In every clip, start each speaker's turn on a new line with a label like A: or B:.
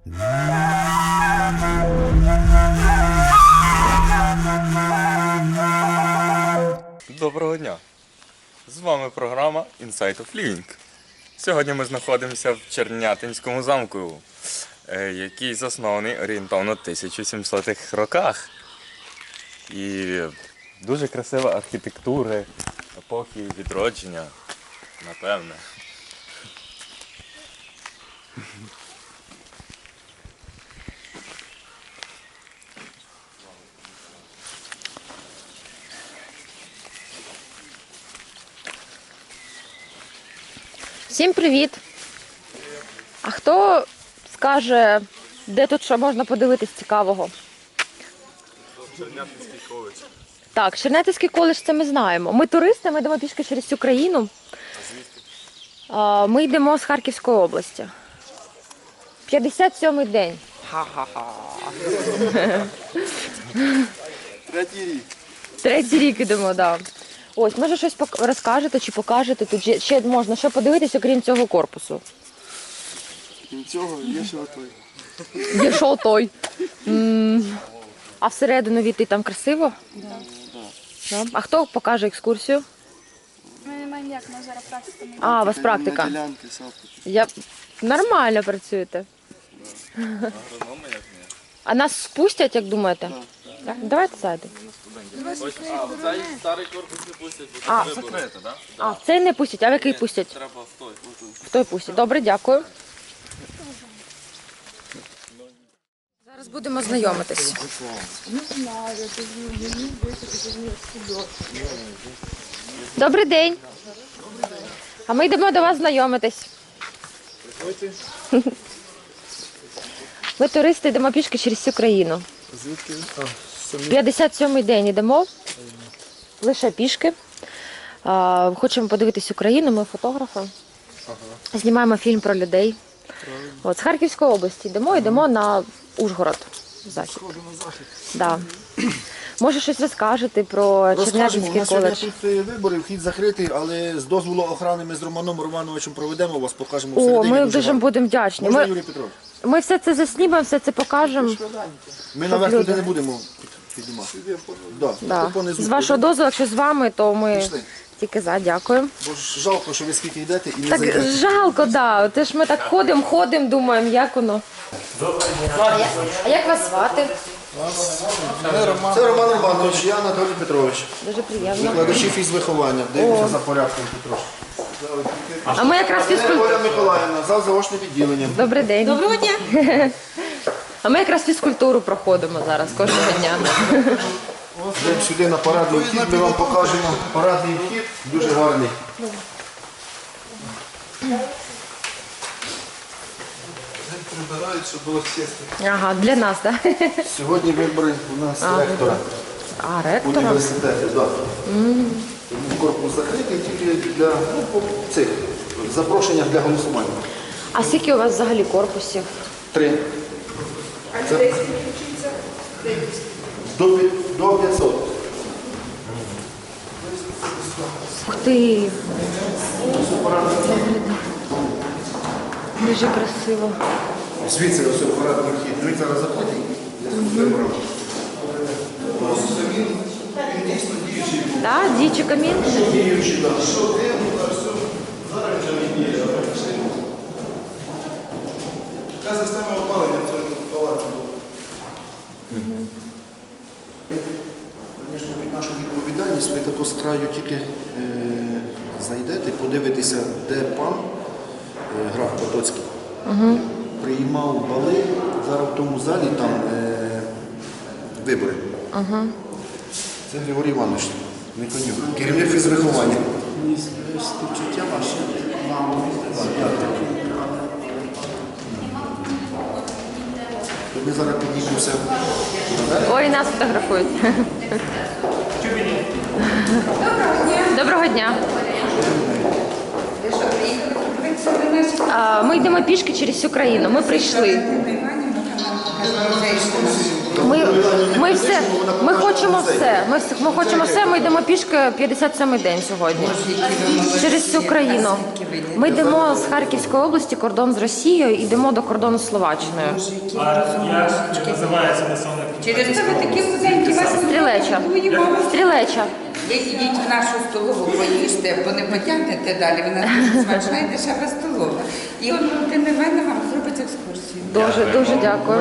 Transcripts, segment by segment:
A: Доброго дня! З вами програма Insight of Living. Сьогодні ми знаходимося в Чернятинському замку, який заснований орієнтовно в 1700-х роках. І дуже красива архітектура епохи відродження, напевне.
B: Всім привіт! А хто скаже, де тут що можна подивитись цікавого?
A: Чернятинський коледж.
B: Так, Чернятинський коледж, це ми знаємо. Ми туристи, ми йдемо пішки через всю країну. Ми йдемо з Харківської області. 57-й день. Ха-ха-ха. Третій рік йдемо, так. Ось, може щось розкажете чи покажете? Тут ще можна що подивитись, окрім цього корпусу.
C: Крім цього, є ще отой.
B: Є що той. А всередину війти там красиво? Да. А хто покаже екскурсію?
D: Ми не маємо як, ми зараз практика.
B: А, у вас практика.
C: На ділянки, сапки.
B: Я нормально працюєте.
A: Агрономи, як не.
B: А нас спустять, як думаєте? Так? Давайте зайдемо.
A: Ось, цей старий корпус не пустять, бо
B: А,
A: це закрите, так?
B: А, в цей не пустять, а в який пустять?
A: Треба в той.
B: В той пустять. Добре, дякую. Зараз будемо знайомитись. Добрий день. А ми йдемо до вас знайомитись. Ми туристи, йдемо пішки через всю країну.
C: Звідки?
B: 57-й день йдемо. Лише пішки. Хочемо подивитись Україну, ми фотографи. Знімаємо фільм про людей. От, з Харківської області йдемо на Ужгород. Захід.
C: Сходу на захід.
B: Да. Може щось розкажете про
C: Розкажемо, у
B: Чернятинський
C: нас сьогодні
B: коледж?
C: тут вибори, вхід закритий, але з дозволу охорони ми з Романом Романовичем проведемо, вас покажемо
B: О,
C: всередині.
B: ми
C: дуже
B: дуже
C: гарно.
B: будемо вдячні.
C: Можна, Юрій Петрович?
B: Ми все це заснімемо, все це покажемо.
C: Ми наверх
B: люди.
C: туди не будемо піднімати. Да.
B: Да.
C: Тут понизу
B: З вашого
C: буде.
B: дозволу, якщо з вами, то ми
C: Пішли.
B: тільки за, дякую.
C: Бо ж жалко, що ви скільки йдете і не
B: Так
C: зайдете.
B: жалко, да. Те ж ми так ходимо, думаємо, як воно. А як вас звати?
C: Це Роман Романович, я Анатолій Петрович.
B: Дуже приємно.
C: Викладачі фізвиховання. Дивимося за порядком Петрович.
B: А ми якраз
C: Оля Миколаївна, зал заочне відділення.
B: Добрий день. Доброго дня. А ми якраз фізкультуру проходимо зараз кожного дня.
C: Йдемо сюди на парадний вхід, ми вам покажемо парадний вхід, дуже гарний. Прибирають, щоб було чисто.
B: Ага, для нас, так?
C: Сьогодні вибори у нас ректора
B: А, ректора?
C: університету. Да. Тому корпус закритий тільки для цих запрошення для голосування.
B: А скільки у вас взагалі корпусів?
C: 3. Це... До 500.
B: Ух ти! Дуже красиво.
C: Звідси ось парадний вхід. Ми зараз заходимо.
B: Так, діючий камін?
C: Діючий, так. Яка система опалення в цьому палаці була? Звісно, під нашу відповідальність ви тако з краю тільки зайдете, подивитеся, де пан граф Потоцький приймав бали. Зараз в тому залі там вибори. Це Григорій Іванович Миконюк, керівник фізвиховання. Співчуття ваше. Ми зараз підійдемося.
B: Ой, нас фотографують. Доброго дня. Ми йдемо пішки через всю країну. Ми прийшли. Ми хочемо все. Ми хочемо все. Ми йдемо пішки 57-й день сьогодні. Через всю країну. Ми йдемо з Харківської області, кордон з Росією, і йдемо до кордону з Словаччиною.
E: Як називається населений пункт?
F: Через тебе такі худенькі вас
B: Стрілеча. Стрілеча.
F: Ви йдіть в нашу столову, поїжте, бо не потягнете далі. Вона дуже смачна і дешева столова. І от Валентина Івановна вам зробить екскурсію.
B: Дуже дякую.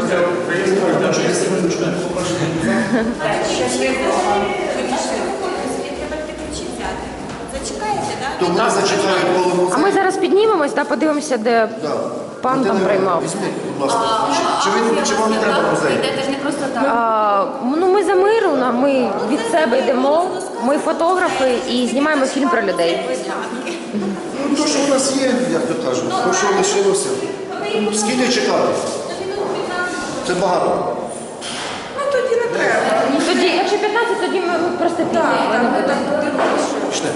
C: То вони зачекають голову.
B: А ми зараз піднімемось та подивимося, де пан там приймав.
C: Візьміть, будь ласка. Чи вам не треба музей?
B: Ну, ми за миру, ми від себе йдемо, ми фотографи і знімаємо фільм про людей.
C: Ну, то, що у нас є, як то кажуть, то, що лишилося. Скільки чекати? Це багато.
F: Ну тоді не треба.
B: Тоді, якщо 15, тоді ми просто підемо.
C: Пішли.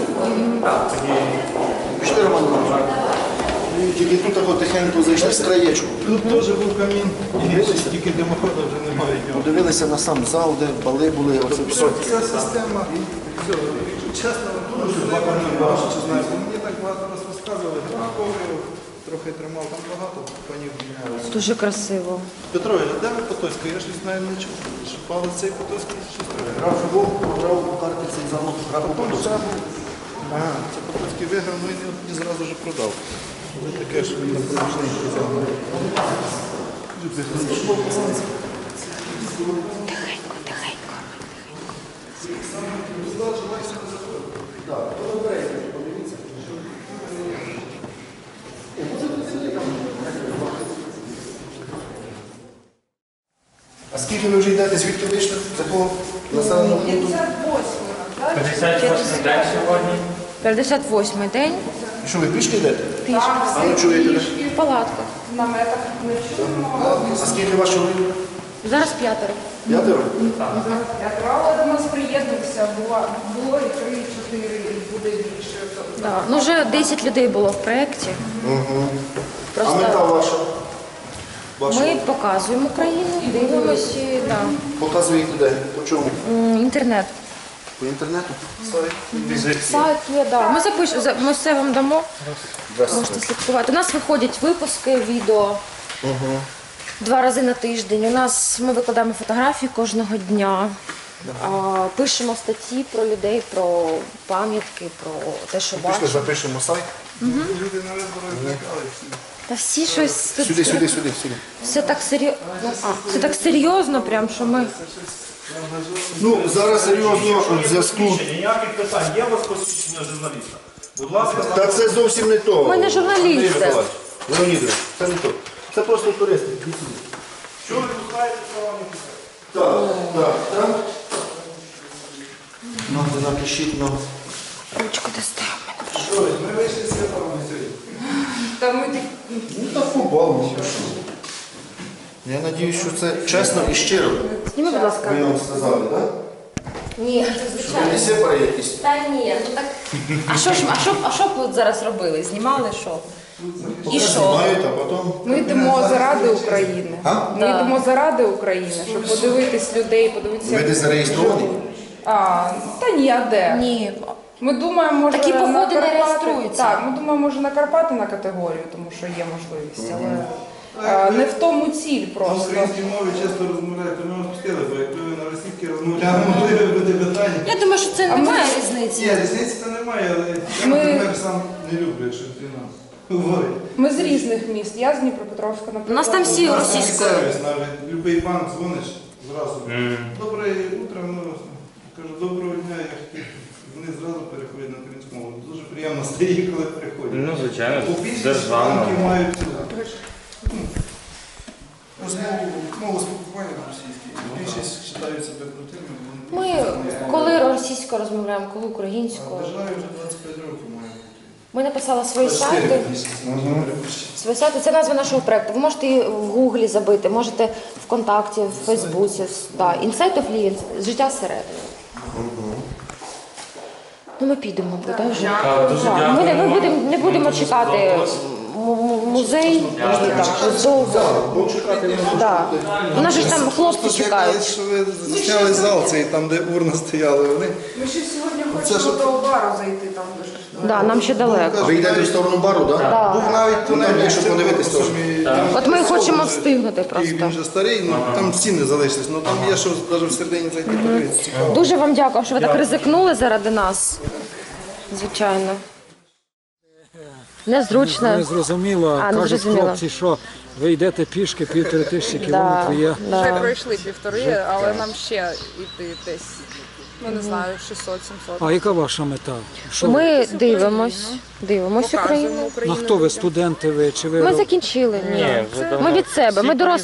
C: Пішли, Роман Іванович. Тільки тут так тихенько зайшли з краєчку.
G: Тут теж був камін, тільки димоходу вже немає.
C: Подивилися на сам зал, де бали були, оце все.
G: Ця система, все, якщо чесно, дуже багато, чи знаєте, мені так багато раз розказували, графовую, трохи тримав, там багато панів мінялося.
B: Дуже красиво.
G: Петрович, а де ви Потоцька? Я щось навіть не чув. Що палець цей Потоцький щось трохи.
C: Граф Вов програв у карті цей замок графу Потоцького.
G: Ага, це Потоцький виграв, ну і не зразу ж продав. Це таке ж він напружений взяв.
C: А скільки ви вже йдете, звідки вийшли? З якого населеного пункту?
E: 58 день сьогодні.
B: 58-й день.
C: І що, ви пішки йдете?
B: Пішки.
C: А ви чуєте де?
B: В палатках.
C: А скільки ваш чоловік?
B: Зараз 5.
C: 5?
H: Але до нас приєднався, було і 3, і 4, і буде більше.
B: Да. Ну, вже 10 людей було в проєкті.
C: А мета ваша?
B: Ми показуємо Україну, дивимося, да.
C: Показуєте де? По чому?
B: Інтернет.
C: По інтернету? Сайт?
B: Сайт є, да. Ми запишемо, ми все вам дамо. Можете слідкувати. У нас виходять випуски, відео 2 рази на тиждень. Ми викладаємо фотографії кожного дня. Пишемо статті про людей, про пам'ятки, про те, що
C: Пішли,
B: бачимо.
C: запишемо сайт.
G: Люди на виборах злякали всі.
B: Та всі щось тут
C: Сюди.
B: все так серйозно, прям що ми.
C: Ну, зараз серйозно в зв'язку.
I: Ніяких питань. Є у вас посвідчення журналіста? Будь ласка,
C: Та це зовсім не то.
B: Ми не журналісти.
C: Леонідович, це не то. Це просто туристи.
I: що ви пускаєте, що вам не пускаєте?
C: Так. Ну, напишіть, ну.
B: Ручку дасте.
G: Що ви, ми вийшли з святого сьогодні.
H: Та ми так
C: Ну, так побавимося. Я сподіваюся, що це чесно і щиро.
B: Зніми, будь ласка.
C: Ви вам сказали, так?
B: Ні,
C: Ви
B: звичайно.
C: не сепари якісь?
B: Та ні, ну так. А що б ви зараз робили? Знімали що? І що?
C: Знімають, а потім...
H: ми йдемо заради України.
C: А?
H: Ми йдемо заради України, щоб подивитись людей, подивитися.
C: Ви десь зареєстровані?
H: Та ні, а де?
B: Ні.
H: Ми думаємо, може
B: Такі
H: на
B: походи не
H: Карпати.
B: реєструються.
H: Так, ми думаємо, може на Карпати на категорію, тому що є можливість, але не в тому ціль
G: На
H: просто.
G: українській мові часто розмовляєте, ми вас пустили, бо якби ви на російській розмовляли, могли би бути питання.
B: Я думаю, що це немає різниці.
G: Ні, різниці то немає, але я, наприклад, сам не люблю, якщо людина говорить.
H: Ми з різних міст. Я з Дніпропетровська, наприклад.
B: У нас там всі
G: У нас
B: російською.
G: сервіс навіть, любий пан дзвониш зразу. Добре утро, ну, кажу, доброго дня, я хотів. Вони зразу переходять на українську мову. Дуже приємно стає, коли переходять.
E: Ну, звичайно,
G: Бо більшість
E: державна.
G: банків мають мову спілкування на російській. Більшість вважають себе крутими.
B: Ми коли російською розмовляємо, коли українською.
G: Державі вже 25 років має бути.
B: Ми написали свої сайти. Свої сайти це назва нашого проєкту. Ви можете її в Гуглі забити, можете ВКонтакті, в Фейсбуці. Да. Insight of Living, життя всередині. Ну ми підемо, да, вже.
E: Дуже
B: Так,
E: дякую.
B: Ми не будемо чекати. музей. Да. У нас же ж там хлопці
G: Просто
B: чекають.
G: що ви зняли зал цей, там, де урна стояла. Вони
H: Ми ще сьогодні хочемо до бару зайти там дуже.
B: Да, нам ще далеко.
C: Ви йдете в сторону бару, так? Да?
G: був навіть
C: Тунель, щоб подивитись теж.
B: От ми хочемо встигнути
G: І
B: просто.
G: він вже старий, ну там стіни залишились, ну там є що навіть всередині зайти подивитися. Цікаво.
B: Дуже вам дякую, що ви так ризикнули заради нас. Звичайно. Незручно.
J: Не зрозуміло,
B: А, не
J: кажуть
B: зрозуміло.
J: хлопці, що ви йдете пішки 1500
B: Да,
J: кілометрів. Є.
H: Вже
B: да.
H: пройшли 1,5, але нам ще йти десь, ну не знаю, 600-700.
J: А яка ваша мета? Що ви?
B: Ми дивимось
H: Показуємо
B: Україну.
J: Ну,
H: Україну.
J: хто ви, студенти ви? Чи ви
B: Ми закінчили. Ні. Ми від себе.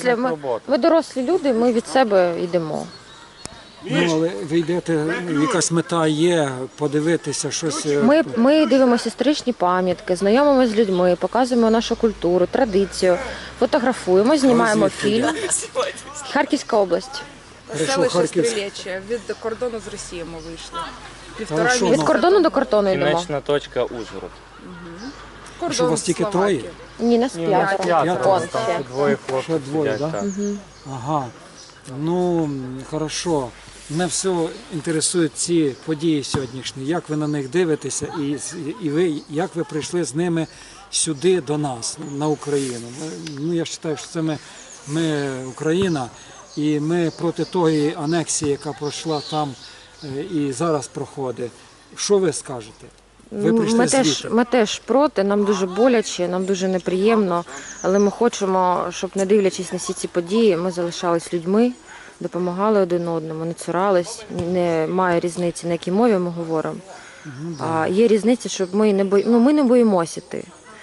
B: Ми дорослі люди, ми від себе йдемо.
J: ну, але ви йдете, якась мета є, подивитися щось.
B: Ми дивимося історичні пам'ятки, знайомимося з людьми, показуємо нашу культуру, традицію, фотографуємо, знімаємо фільм. Харківська область.
J: Хорошо,
H: Селище
J: Харківськ.
H: Стрілече. Від кордону з Росією ми вийшли.
J: Хорошо,
H: Півтора
B: Від
J: ну.
B: кордону до кордону йдемо.
A: Кінечна точка Ужгород.
H: кордон
J: Що, у вас тільки
H: Словакії.
J: троє?
B: Ні, нас п'ятеро.
J: П'ятеро.
B: Он ще.
A: Двоє
J: Ще
A: хлопців
J: двоє,
A: сидять,
J: так?
A: так.
J: Ага. Ну, хорошо. Мене все інтересують ці події сьогоднішні. Як ви на них дивитеся і ви, як ви прийшли з ними сюди до нас, на Україну? Ну, я вважаю, що це ми Україна, і ми проти тої анексії, яка пройшла там і зараз проходить. Що ви скажете? Ви прийшли звідти.
B: Ми теж проти, нам дуже боляче, нам дуже неприємно, але ми хочемо, щоб, не дивлячись на всі ці події, ми залишались людьми, допомагали один одному, не цурались, немає різниці, на якій мові ми говоримо. А є різниця, щоб ми не боїмося йти.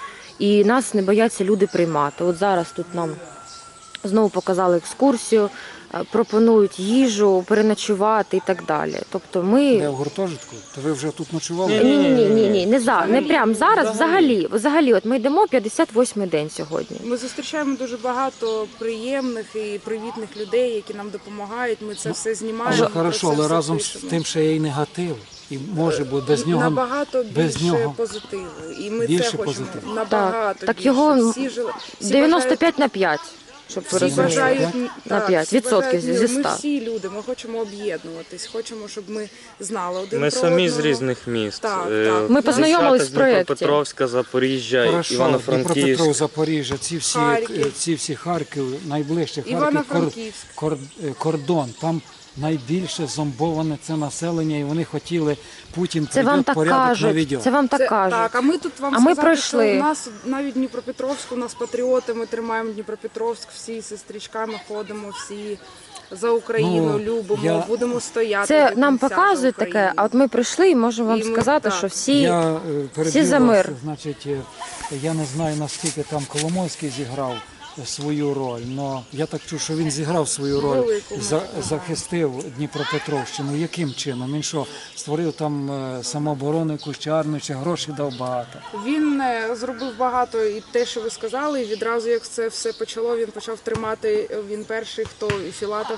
B: І нас не бояться люди приймати. От зараз тут нам знову показали екскурсію, пропонують їжу, переночувати і так далі. Тобто ми...
J: Де в гуртожитку? То ви вже тут ночували?
B: Ні, не прямо зараз, взагалі, от ми йдемо 58-й день сьогодні.
H: Ми зустрічаємо дуже багато приємних і привітних людей, які нам допомагають. Ми це все знімаємо.
J: Але
H: про
J: хорошо,
H: це
J: але
H: все
J: разом з
H: пишемо.
J: тим ще є і негатив. І може бути без нього.
H: Набагато
J: без
H: більше
J: нього
H: позитиву. І ми
J: більше
H: це хочемо.
J: позитиву.
H: Набагато
B: Так
H: більше.
B: його
H: Всі
B: 95/5, щоб ви
H: Всі
B: розуміли.
H: бажають
B: На 5% зі 100.
H: Ми всі люди, ми хочемо об'єднуватись, хочемо, щоб ми знали один
A: Ми
H: про
A: самі з
H: одного.
A: різних міст.
H: Так,
A: Е,
H: так.
B: Ми познайомились
A: дівчата
B: в
A: з
B: проєкті.
A: Дніпропетровська, Запоріжжя,
J: Хорошо,
A: Івано-Франківськ.
J: Дніпропетров, Запоріжжя,
H: Харків.
J: ці всі Харків, найближче Харків,
H: Івано-Франківськ.
J: кордон. Там найбільше зомбоване це населення, і вони хотіли, Путін
B: Це вам
J: прийде,
B: так
J: порядок
B: кажуть.
J: наведе.
B: Це вам так кажуть.
H: Так, а ми тут вам
B: А ми
H: сказати,
B: пройшли.
H: що у нас навіть Дніпропетровськ, у нас патріоти, ми тримаємо Дніпропетровськ, всі зі стрічками ходимо, всі за Україну
J: Ну,
H: любимо, будемо стояти.
B: Це
H: до
B: нам
H: кінця
B: показує
H: за
B: таке,
H: Україну.
B: а от ми прийшли і можемо вам
H: І ми-
B: сказати,
H: так.
B: що всі...
J: Я перебив
B: всі за
J: вас,
B: мир.
J: значить, я не знаю, наскільки там Коломойський зіграв свою роль, але я так чув, що він зіграв свою роль,
H: Велику,
J: захистив Дніпропетровщину. Яким чином? Він що, створив там самооборону, якусь чи армію, чи гроші дав багато?
H: Він зробив багато і те, що ви сказали, і відразу, як це все почало, він почав тримати, він перший, хто і Філатов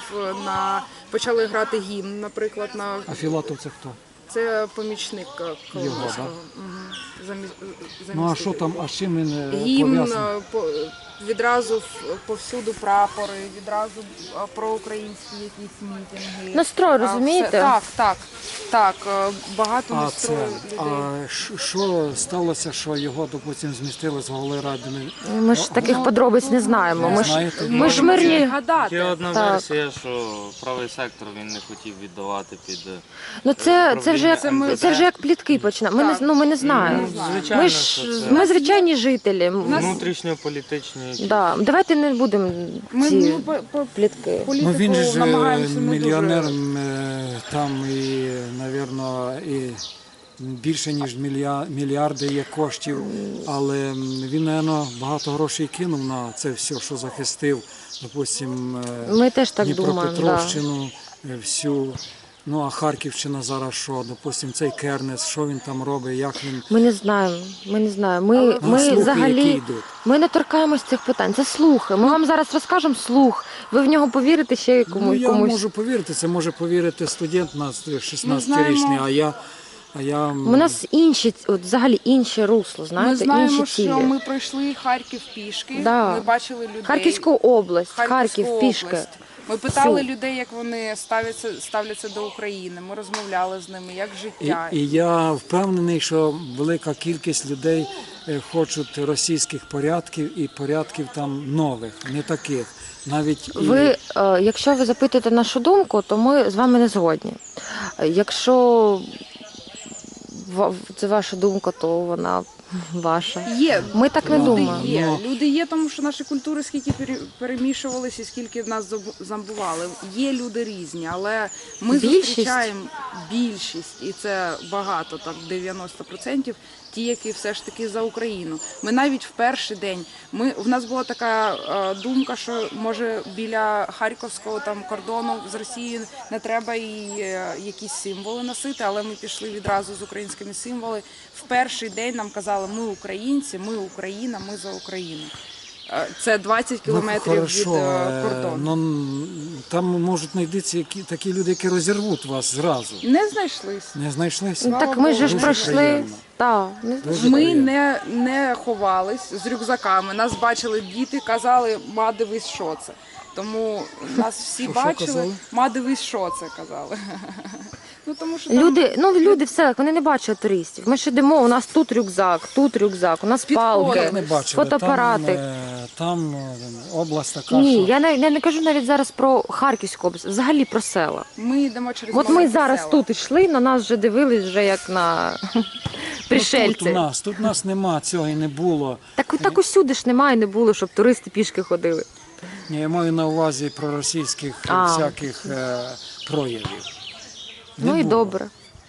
H: почали грати гімн, наприклад, на
J: А Філатов це хто?
H: це помічник
J: Його,
H: Коломойського.
J: да?
H: Мгм.
J: Ну а що там, а з чим він
H: Гімн,
J: пов'язаний?
H: відразу повсюду прапори, відразу проукраїнські якісь мітинги.
B: Настрой, розумієте?
H: Так, багато
J: А
H: настрою
J: це,
H: людей.
J: що сталося, що його, допустим, змістили з голови ради?
B: Ми ж таких подробиць не знаємо.
J: Не
B: Ми ж,
J: знаєте?
B: ми ж мирні.
H: Гадати.
A: Є одна
B: Так.
A: версія, що правий сектор він не хотів віддавати під
B: Ну це вже як
A: Управління
B: це вже як плітки починаємо. Ми не знаємо.
A: звичайно,
B: Ми
A: що
B: ж
A: це
B: ми звичайні жителі.
A: внутрішньополітичні.
B: Да, давайте не будемо ці плітки.
J: Ну він же ж
H: намагаємося не
J: мільйонер
H: дуже.
J: там і, напевно, і більше ніж мільярди є коштів, але він, напевно, багато грошей кинув на це все, що захистив, допустим,
B: Ми теж так думаємо. Да.
J: Дніпропетровщину, всю. Ну а Харківщина зараз що? Допустим, цей Кернес, що він там робить, як він.
B: Ми не знаємо. Ми
J: слухи, які
B: взагалі
J: йдуть.
B: ми не торкаємось цих питань. Це слухи. Ми вам зараз розкажемо слух. Ви в нього повірите ще
J: Ну, я
B: комусь.
J: можу повірити, це може повірити студент на
H: Ми
J: 16-річний,
H: знаємо.
J: а я А я
B: У нас інші, от взагалі інше русло,
H: Ми
B: знаєте,
H: знаємо,
B: інші цілі.
H: що ми пройшли Харків пішки,
B: Да.
H: ми бачили людей.
B: Харківську область,
H: Харківську
B: Харків, пішки.
H: область. Ми питали
B: Всю.
H: людей, як вони ставляться до України. Ми розмовляли з ними, як життя.
J: І я впевнений, що велика кількість людей хочуть російських порядків і порядків там нових, не таких. Навіть
B: Ви, якщо ви запитуєте нашу думку, то ми з вами не згодні. Якщо це ваша думка, то вона ваша.
H: Є.
B: Ми так не
H: Люди
B: думаємо.
H: є.
J: Ну.
H: Люди є, тому що наші культури скільки перемішувалися, і скільки нас зомбували. Є люди різні, але ми
B: Більшість?
H: зустрічаємо більшість, і це багато, так 90%, ті, які все ж таки за Україну. Ми навіть в перший день, в нас була така думка, що може біля харківського там кордону з Росією не треба і якісь символи носити, але ми пішли відразу з українськими символами. В перший день нам казали, ми українці, ми Україна, ми за Україну. Це 20 кілометрів від кордону.
J: Ну, там можуть знайдитися такі люди, які розірвуть вас зразу.
H: Не знайшлись.
J: Не знайшлися?
B: Ну, так ми ж
J: Дуже
B: пройшли.
J: приємно.
B: Так,
J: Дуже
H: Ми
J: приємно.
H: не ховались з рюкзаками. Нас бачили діти, казали, ма, дивись, що це. Тому нас всі
J: Що
H: бачили,
J: казали?
H: ма, дивись, що це, казали. Ну, тому що там
B: люди в селах, вони не бачать туристів. Ми ж йдемо, у нас тут рюкзак, у нас палки,
J: Як не бачили,
B: фотоапарати.
J: там область така,
B: Ні,
J: що...
B: я не кажу навіть зараз про Харківську область, взагалі про села.
H: ми йдемо через
B: От ми
H: маленькі
B: зараз
H: села.
B: тут йшли, на нас вже дивились вже як на пришельці.
J: Тут нас нема, цього і не було.
B: Так усюди ж немає, не було, щоб туристи пішки ходили.
J: Ні, я маю на увазі проросійських всяких проявів. Не
B: Ну і
J: було.
B: добре.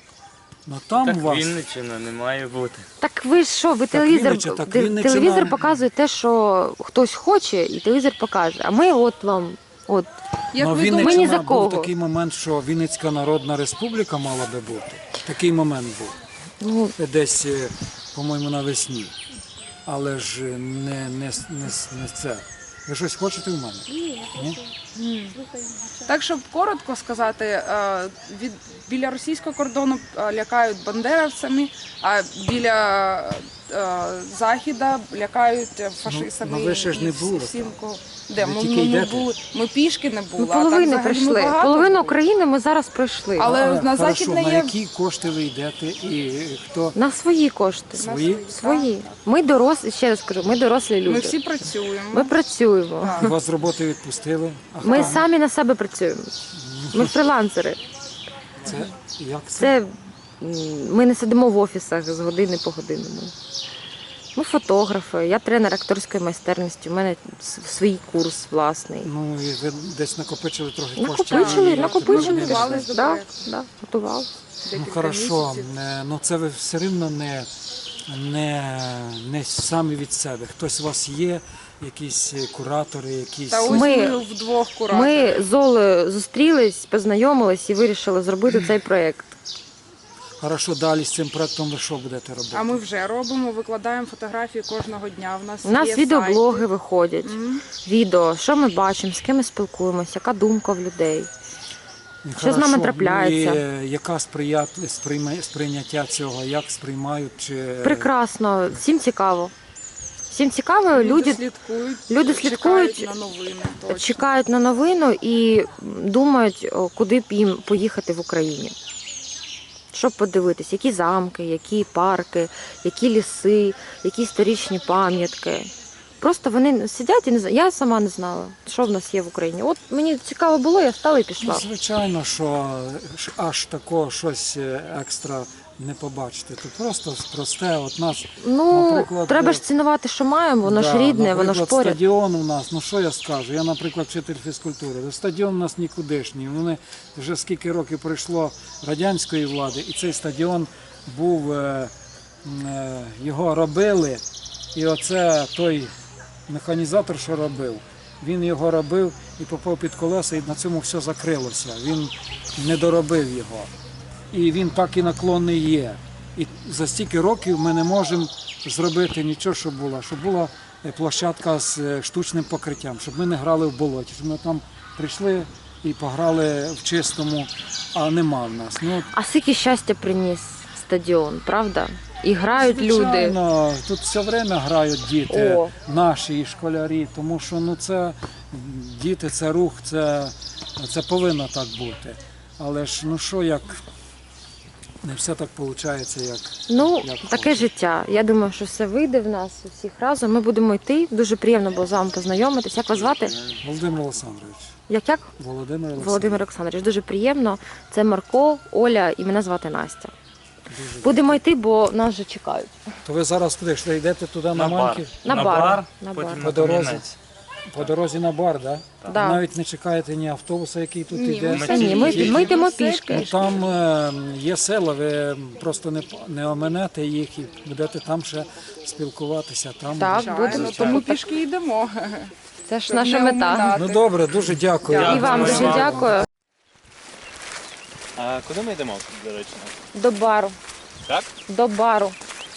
J: Ну там
A: Так
J: у вас...
A: Вінниччина не має бути.
B: Так ви ж що, ви
J: Вінниччина, так Вінниччина-
B: телевізор показує те, що хтось хоче, і телевізор покаже. А ми от вам, от.
H: Як
J: Ну,
H: ви
B: Ми ні
J: Вінниччина
B: за кого.
J: був такий момент, що Вінницька Народна Республіка мала би бути. Такий момент був.
B: Ну,
J: Десь, по-моєму, навесні. Але ж не це. Ви щось хочете в мене? Ні?
H: Так, щоб коротко сказати, біля російського кордону лякають бандеровцями, а біля Західа лякають фашистами.
J: Ну, ви ще ж не були
H: всім,
J: Ви тільки йдете.
H: були. Ми пішки не були.
B: ми
H: а так
B: половину
H: взагалі ми
B: пройшли.
H: багато
B: Половину
H: були.
B: України ми зараз пройшли.
H: Але на
J: Хорошо,
H: Західне
J: на
H: є...
J: які кошти ви йдете і хто?
B: На свої кошти.
J: Свої?
B: Свої. Ми дорослі, ще раз кажу, ми дорослі люди.
H: Ми всі працюємо.
B: Ми працюємо.
J: Вас з роботи відпустили? А
B: Ми
J: хто?
B: самі на себе працюємо. Ми фрилансери.
J: Це, як це?
B: Це ми не сидимо в офісах з години по годину. Ми фотографи, я тренер акторської майстерності, у мене свій курс власний.
J: Ну, і ви десь накопичили трохи коштів.
B: Накопичили,
J: і
B: накопичили.
J: тепер
H: Готувались до
B: Да,
H: проекту.
B: да, готували.
J: Ну,
H: Декілька
J: хорошо,
H: місяців.
J: ну це ви все рівно не самі від себе. Хтось у вас є, якісь куратори, якісь...
H: Та ось
B: Ми-
H: ми вдвох кураторів.
B: Ми з Олею зустрілись, познайомились і вирішили зробити цей проєкт.
J: Хорошо, далі з цим проектом ви що будете робити?
H: А ми вже робимо, викладаємо фотографії кожного дня.
B: У нас
H: є
B: відеоблоги
H: сайти.
B: виходять, відео, що ми бачимо, з ким ми спілкуємося, яка думка в людей. Що з нами
J: Хорошо,
B: трапляється?
J: ну, і яка сприйняття цього, як сприймають? Чи...
B: Прекрасно, всім цікаво. Всім цікаво, люди
H: люди
B: слідкують,
H: чекають на новини. Точно.
B: чекають на новину і думають, куди б їм поїхати в Україні. Щоб подивитись, які замки, які парки, які ліси, які історичні пам'ятки. Просто вони сидять і не знають. Я сама не знала, що в нас є в Україні. От мені цікаво було, я встала і
J: Ну,
B: пішла.
J: звичайно, що аж такого щось екстра не побачите. Це просто просте. От нас,
B: Ну,
J: наприклад,
B: треба ж цінувати, що маємо, воно ж
J: да,
B: рідне, воно ж
J: наприклад,
B: поряд.
J: стадіон у нас, ну що я скажу? Я, наприклад, вчитель фізкультури. Стадіон у нас нікудишній. Вони вже скільки років пройшло радянської влади, і цей стадіон був, його робили, і оце той механізатор, що робив, він його робив і попав під колеса, і на цьому все закрилося. Він не доробив його. І він так і наклонний є. І за стільки років ми не можемо зробити нічого, щоб була площадка з штучним покриттям, щоб ми не грали в болоті, щоб ми там прийшли і пограли в чистому, а нема в нас. Ну,
B: А скільки щастя приніс стадіон, правда? І грають люди.
J: Звичайно, тут все время грають діти,
B: О.
J: наші і школярі, тому що ну, це діти, це рух, це повинно так бути. Але ж ну що, як не все так виходить, як.
B: Ну,
J: як
B: таке
J: хочеться.
B: життя. Я думаю, що все вийде в нас у всіх разом. Ми будемо йти. Дуже приємно було з вами познайомитись. Як вас звати?
J: Володимир Олександрович.
B: Як?
J: Володимир Олександрович.
B: Володимир Олександрович. Дуже приємно. Це Марко, Оля і мене звати Настя. Будемо йти, бо нас вже чекають.
J: То ви зараз куди йшли? Йдете туди на Маньків?
B: На бар. На бар.
E: потім
J: По дорозі. По дорозі на бар, так? Да?
B: Да.
J: Навіть не чекаєте ні автобуса, який тут
H: Ні,
J: йде.
B: Та ні, ми йдемо
J: Ну,
B: пішки.
J: там є села, ви просто не оминете їх і будете там ще спілкуватися. Там
B: Так,
H: Звичайно,
B: будемо.
H: тому пішки йдемо.
B: Це ж
H: Щоб
B: наша
H: не
B: мета.
H: оминати.
J: Ну добре, дуже дякую.
B: І вам дуже дякую.
A: А куди ми йдемо, до речі?
B: До бару.
A: Так?
B: До бару.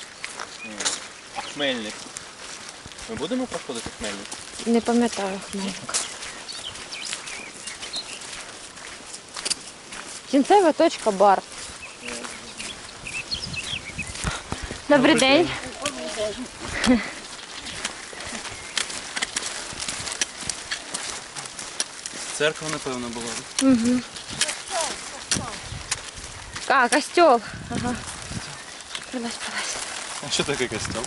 A: А Хмельник? Ми будемо проходити Хмельник?
B: Не пам'ятаю Хмельника. Кінцева точка бар. Добрий день.
A: Церква, напевно, була.
B: А, костел. Ага. Прилазь.
A: А що таке костел?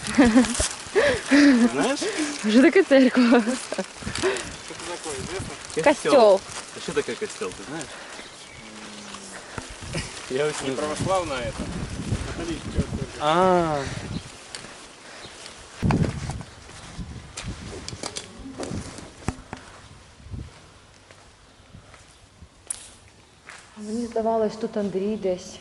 A: Знаєш?
B: Що таке церква? Костел.
A: А що таке костел, ти знаєш? Я ось не знаю.
I: Православна это. Католическая церковь.
A: А,
B: Мені здавалось, тут Андрій десь.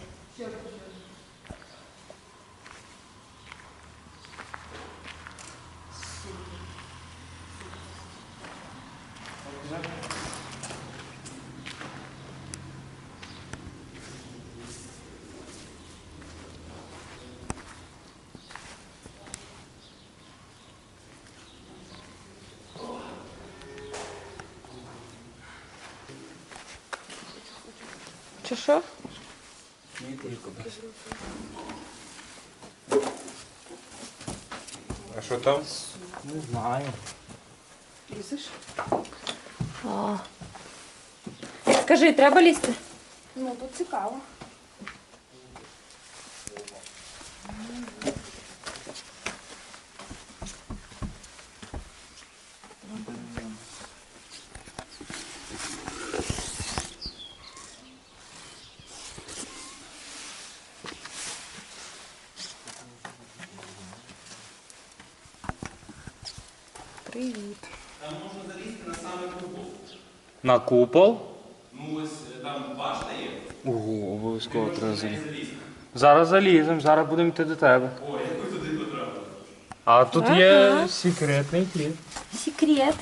B: Чи що?
I: А що там?
B: Скажи, треба лізти?
D: Ну, тут цікаво.
H: Привіт.
A: на купол. Ну ось там башта є. Ого, обов'язково треба залізти. Зараз заліземо, зараз будемо йти до тебе. О, як ви туди потрапили? А тут є секретний хід.
B: Секрет.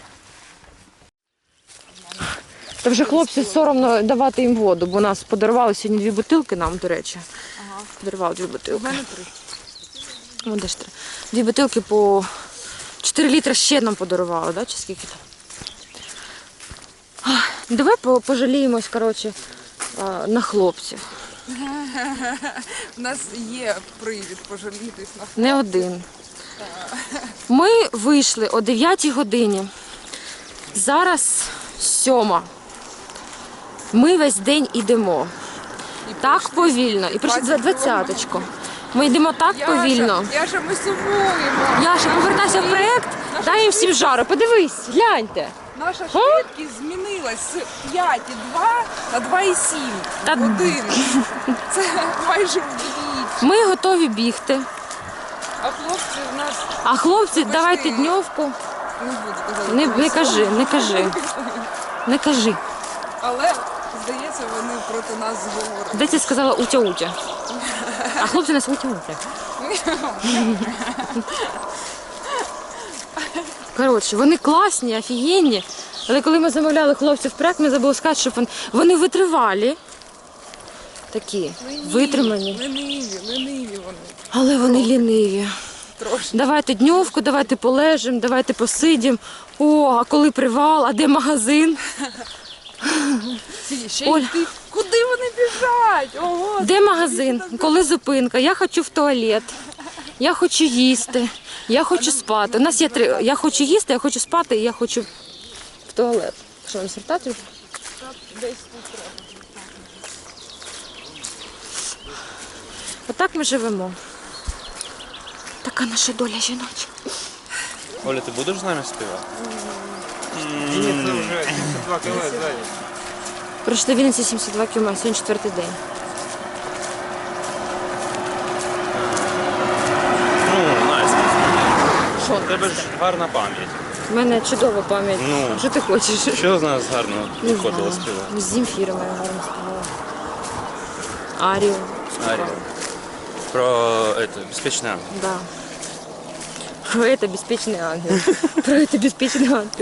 B: Та вже хлопці соромно давати їм воду, бо нас подарували сьогодні 2 бутилки нам, до речі. Ага. Подарували 2 бутилки. У мене 3. О, де ж 3. 2 бутилки по 4 літри ще нам подарували, да? Чи скільки там? Давай пожаліємось, коротше, на хлопців.
H: У нас є привід пожалітись на
B: Не один. Ми вийшли о 9 годині. Зараз 7. Ми весь день йдемо. Так повільно. І прийшли 20-очку. Ми йдемо так повільно.
H: Яша, ми сумуємо.
B: Яша, повертайся в проєкт, дай їм всім жару. Подивись, гляньте.
H: Наша швидкість змінилась з 5,2 на 2,7
B: Та-
H: годин. Це майже вдвічі.
B: Ми готові бігти.
H: А хлопці в нас
B: А хлопці, давайте дньовку.
H: не буду казати.
B: Не кажи, не кажи. Не кажи.
H: Але, здається, вони проти нас говорять.
B: Де ти сказала утя-утя? А хлопці нас утя-утя. Коротше, вони класні, офігенні. Але коли ми замовляли хлопців в проект, ми забули сказати, що вони витривалі. Такі, витримані.
H: Лениві вони.
B: Але вони ліниві.
H: Трошки.
B: Давайте дньовку, давайте полежимо, давайте посидимо. О, а коли привал, а де магазин?
H: Ще
B: Оль.
H: йти. Куди вони біжать? спішать. Ого,
B: Де магазин? Коли зупинка? Я хочу в туалет. Я хочу їсти. Я хочу спати. У нас є 3. Я хочу їсти, я хочу спати і я хочу в туалет. Що, не сертати? Отак ми живемо. Така наша доля жіноча.
A: Оля, ти будеш з нами співати?
E: Ні, це вже 72 км ззаді.
B: Пройшли Вінниці 72 км, сьогодні 4-й день.
A: Ну, Настя,
B: Що?
A: у тебе ж гарна пам'ять.
B: У мене чудова пам'ять.
A: Ну.
B: Що ти хочеш?
A: Що з нас гарно
B: Не
A: виходило
B: знаю.
A: співати?
B: З Земфіром я гарно співала. Арію.
A: Арію. Про это, безпечний ангел.
B: Да. Про это беспечный ангел. Про это беспечный ангел.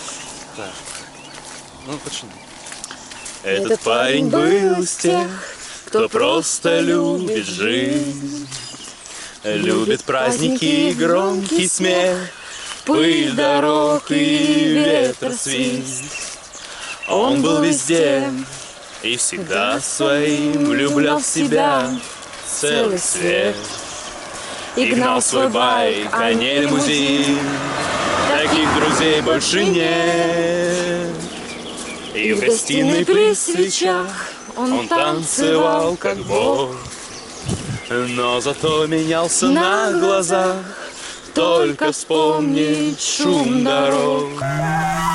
A: Ну, почни.
B: Этот парень был из тех, кто просто любит жизнь.
A: Любит праздники, громкий смех, пыль дорог и ветросвист. Он был везде и всегда своим влюблял в себя целый свет. И гнал свой байк, а не лимузин. Таких друзей больше нет. И в гостиной при свечах он танцевал как бог. Но зато менялся на глазах. Только вспомнить шум дорог.